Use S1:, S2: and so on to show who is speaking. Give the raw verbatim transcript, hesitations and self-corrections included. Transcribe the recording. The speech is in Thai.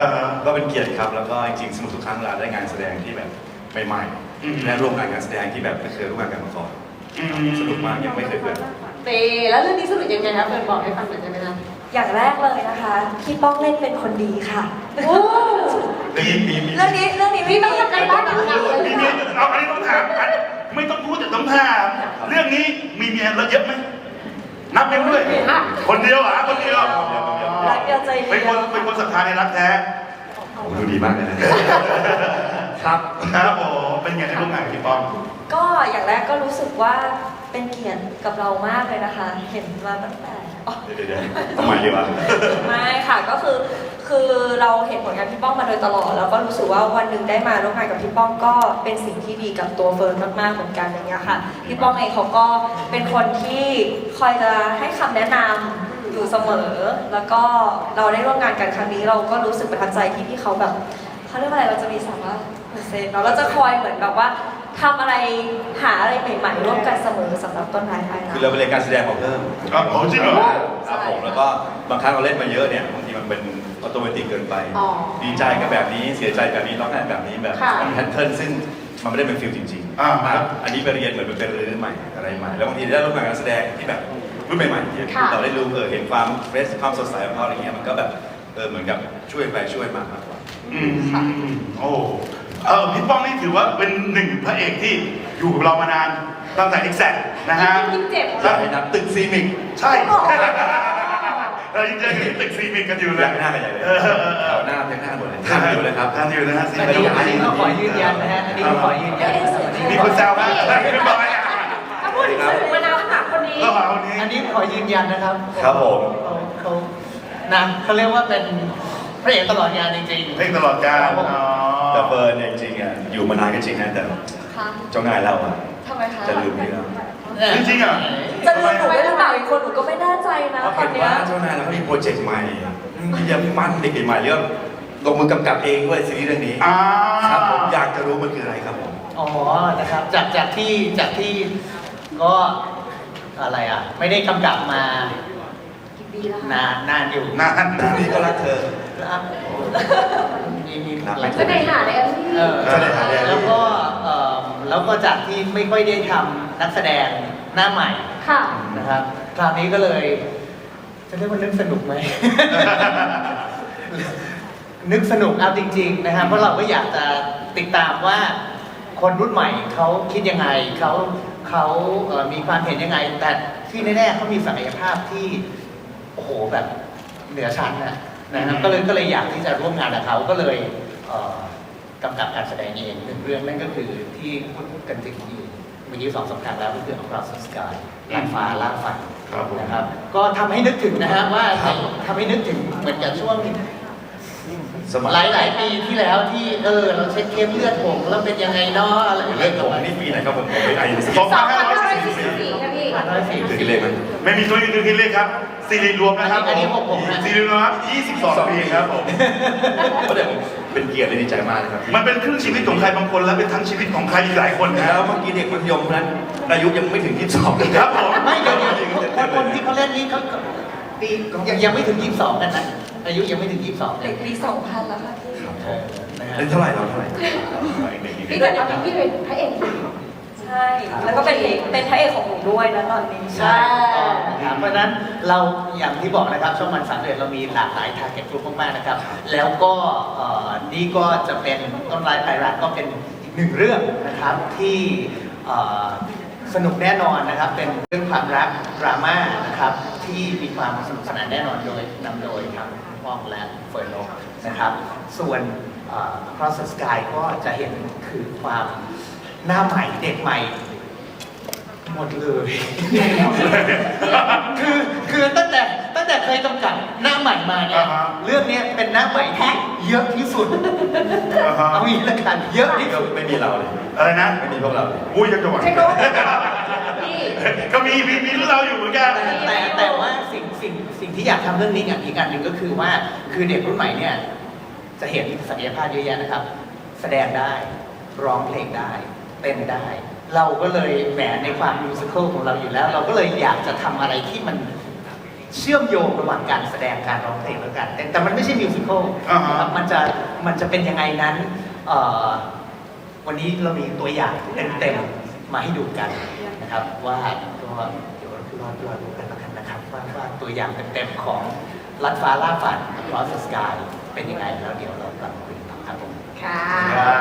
S1: ก็เป็นเกียรติครับแล้วก็จริงๆสนุกทุกครั้งเวลาได้งานแสดงที่แบบใหม่ๆและร่วมงานงานแสดงที่แบบไม่เคยร่วมงานกันมาก่อนสนุกมากยังไม่เคยเกิด
S2: เตแล้วเรื่องนี้สนุกยังไงครับเฟิร์นบอกให้ฟังหน่อยได้ไหมนะ
S3: อย่างแรกเลยนะคะพี่ป้องเล่นเป็นคนดีค่ะ
S2: โอ้
S1: ปีปี
S3: เรื่องนี้เรื่องนี้ไม่
S2: ต้องทำการบ้านหนักเลย
S4: เอาอันนี้ต้องถามไม่ต้องพูดแต่ต้องถามเรื่องนี้มีเมียเราเยอะไหมนับเองด้วยคนเดียวอ่ะคนเดียว
S3: รักเดียวใจเดียว
S4: เป็นคนเป็นคนศรัทธาในรักแท้
S1: ดูดีมากเลยนะครับ
S4: ครับผมเป็นไงในร่วมงานกับพี่ป้อง
S3: ก็อย่างแรกก็รู้สึกว่าเป็นเกียรติกับเรามากเลยนะคะเห็นมาตั้งแต่
S1: เดี๋ยวๆทำไมดีวะ
S3: ไม่ค่ะก็คือคือเราเห็นผลงานพี่ป้องมาโดยตลอดแล้วก็รู้สึกว่าวันหนึ่งได้มาร่วมงานกับพี่ป้องก็เป็นสิ่งที่ดีกับตัวเฟิร์นมากๆเหมือนกันอย่างเงี้ยค่ะพี่ป้องเองเขาก็เป็นคนที่คอยจะให้คำแนะนำอยู่เสมอแล้วก็เราได้ร่วมงานกันครั้งนี้เราก็รู้สึกประทับใจที่พี่เขาแบบเขาเรียกว่าอะไรเราจะมีสามารถเปอร์เซ็นต์เนาะเราจะคอยเหมือนแบบว่าทำอะไรหาอะไรใหม่ๆร่วมกันเสมอสำหรับต้นไม้ไทยนะ
S1: คือเราไปเรียนการแสดงมาเพิ่ม
S4: ครับผมจริงเหรอ
S1: ครับผมแล้วก็บางครั้งเราเล่นมาเยอะเนี่ยบางทีมันเป็นออโตเมติกเกินไปดีใจกับแบบนี้เสียใจแบบนี้ร้องไห้แบบนี้แบบมันแพทเทิร์นซึ่งมันไม่ได้เป็นฟิลจริงๆนะครับอันนี้ไปเรียนเหมือนเป็นเรื่องใหม่อะไรใหม่แล้วบางทีได้ร่วมงานการแสดงที่แบบรุ่นใหม่ๆที่เราได้รู้เออเห็นความเฟรชความสดใสของเขาอะไรเงี้ยมันก็แบบเออเหมือนกับช่วยไปช่วยมามากกว่า
S4: อืมโอ้เออพี่ป้องนี่ถือว่าเป็นหนึ่งพระเอกที่อยู่กับเรามานานตั้งแต่ Exact นะฮะ
S1: ใช่ครับตึกซีมิก
S4: ใช่เรายังเจอกันตึกซีมิกกันอยู่เลย
S1: หน้ากันใหญ่เลยเขาหน้าเพียงหน้าหมดเลย
S4: ทานอยู่เลยครับทานอยู่นะฮะ
S5: อันนี้อันนี้ก็ขอยืนยันนะฮะอันนี้ก็ขอยืนยัน
S4: มีคนแซวนะเรียบร้อยอ่ะ
S2: ถ้าพูดถึงสื่อมานาวหาคนนี้
S5: อันนี้ขอยืนยันนะครับ
S1: ครับผม
S5: เขานะเขาเรียกว่าเป็นพระเอกตลอดงานจริง
S4: ๆเพลงตลอดกาล
S1: แต่เฟิร์นเนี่ยจริงๆอ่ะอยู่มานานก็จริงนะแต่เจ้านายเราอ่ะจะลืมไปแล้ว
S4: จริงๆอ่ะ
S3: จะลืมหนูได้หรือเปล่าอีกคนหนูก็ไม่แน่ใจนะ
S1: ตอนนี้เจ้านายเราก็มีโปรเจกต์ใหม่ที่จะมั่นเด็กใหม่เรื่องลงมือกำกับเองด้วยซีรีส์เรื่องนี้ครับผมอยากจะรู้มันคืออะไรครับผม
S5: อ๋อนะครับจากจากที่จากที่ก็อะไรอ่ะไม่ได้กำกับมา
S3: นาน
S5: นานอยู่
S4: นาน
S1: นี่ก็รักเธอ
S5: มีมี
S2: หลายจะได้หาเลยพี่
S5: แล้วก็แล้วก็จากที่ไม่ค่อยได้ทำนักแสดงหน้าใหม่นะครับคราวนี้ก็เลยจะเรียกว่านึกสนุกไหมนึกสนุกเอาจริงๆนะครับเพราะเราก็อยากจะติดตามว่าคนรุ่นใหม่เขาคิดยังไงเขาเขามีความเห็นยังไงแต่ที่แน่ๆเขามีศักยภาพที่โอ้โหแบบเหนือชั้นนะนะครับก็เลยก็เลยอยากที่จะร่วมงานกับเขาก็เลยกำกับการแสดงเองหนึ่งเรื่องนั่นก็คือที่พูดกันถึงอยู่เมื่อกี้สองสำคัญแล้วก็คือ Across the Sky ล่างฟ้าล่างฝันนะครับก็ทำให้นึกถึงนะฮะว่าทำให้นึกถึงเหมือนกับช่วงหลายหลายปีที่แล้วที่เออเราเช็คเข้มเลือดผมแล้วเป็นยังไงเนาะอะไร
S1: เลือดผมนี่ปีไหนครับผมผมเป็นไอ
S4: สองพันห้าร้อยสี่สิบ
S2: สี่ครับพี่
S1: คือกิเลสมัน
S4: ไม่มีตัวนี้คือกิเลสครับซีรีส์รวมนะครับ
S5: อันนี้ผมผม
S4: ซีรีส์รวมครับยี่สิบสองปีครับผม
S1: ก็เดี๋ยวเป็นเกียรติและดีใจมากเลยครับ
S4: มันเป็นครึ่งชีวิตของใครบางคนและเป็นทั้งชีวิตของใครอีกหลายคนนะ
S1: แล้วเมื่อกี้เด็กมัธยมนั้นอายุยังไม่ถึงยี่สิบสอง
S4: ครับผม
S5: ไม่เดี๋ยวคนคนที่เขาเล่นนี้เขาปียังยังไม่ถึงยี่สิบสองกันนะอายุยังไม่ถึงยี่สิบสอง
S3: เด็กปีสองพันแล้วค่ะพี่
S1: เล่นเท่าไหร่เราเท่าไหร่
S2: พี่แต่ตอนนี้พี่เป็นพระเอก
S3: ใช่แล้วก็เป็นเป็นพระเอกของหนูด้วยนะตอนนี้
S5: ใช่ครับเพราะนั้นเราอย่างที่บอกนะครับช่องมันสามเดือนเรามีหลากหลายทาร์เก็ตกลุ่มมากๆนะครับแล้วก็นี่ก็จะเป็นต้นไม้ไพรัตก็เป็นอีกหนึ่งเรื่องนะครับที่สนุกแน่นอนนะครับเป็นเรื่องความรักดราม่านะครับที่มีความสนุกสนานแน่นอนโดยนำโดยทั้งป้องและเฟิร์นโลนะครับส่วน Across the Sky ก็จะเห็นคือความหน้าใหม่เด็กใหม่หมดเลยคือคือตั้งแต่ตั้งแต่เคยกำกับหน้าใหม่มาเนี่ยเรื่องนี้เป็นหน้าใหม่แท้เยอะที่สุดเอาอีกแล้วกันเยอะที่สุด
S1: ไม่มีเราเลย
S4: อะไรนะ
S1: ไม่มีพวกเรา
S4: อุ้ยจังหวะก็มีมีมีเราอยู่เหมือนกัน
S5: แต่แต่ว่าสิ่งสิ่งสิ่งที่อยากทำเรื่องนี้อย่างอีกอันหนึ่งก็คือว่าคือเด็กรุ่นใหม่เนี่ยจะเห็นศักยภาพเยอะแยะนะครับแสดงได้ร้องเพลงได้เต้นได้เราก็เลยแหมในความมิวสิควลของเราอยู่แล้วเราก็เลยอยากจะทำอะไรที่มันเชื่อมโยงระหว่างการแสดงการร้องเพลงแล้วกัน แต่แต่มันไม่ใช่มิวสิควล
S4: อ่าฮะ
S5: นะครับมันจะมันจะเป็นยังไงนั้นเอ่อวันนี้เรามีตัวอย่างเต็มๆมาให้ดูกันนะครับว่าก็เดี๋ยวรอรอดูกันแล้วกันนะครับว่าว่าตัวอย่างเต็มๆของลัดฟ้าล่าฝัน Across the Sky เป็นยังไงแล้วเดี๋ยวเรากลับมาคุยกันต่อครับผม
S2: ค่ะ
S4: ครับ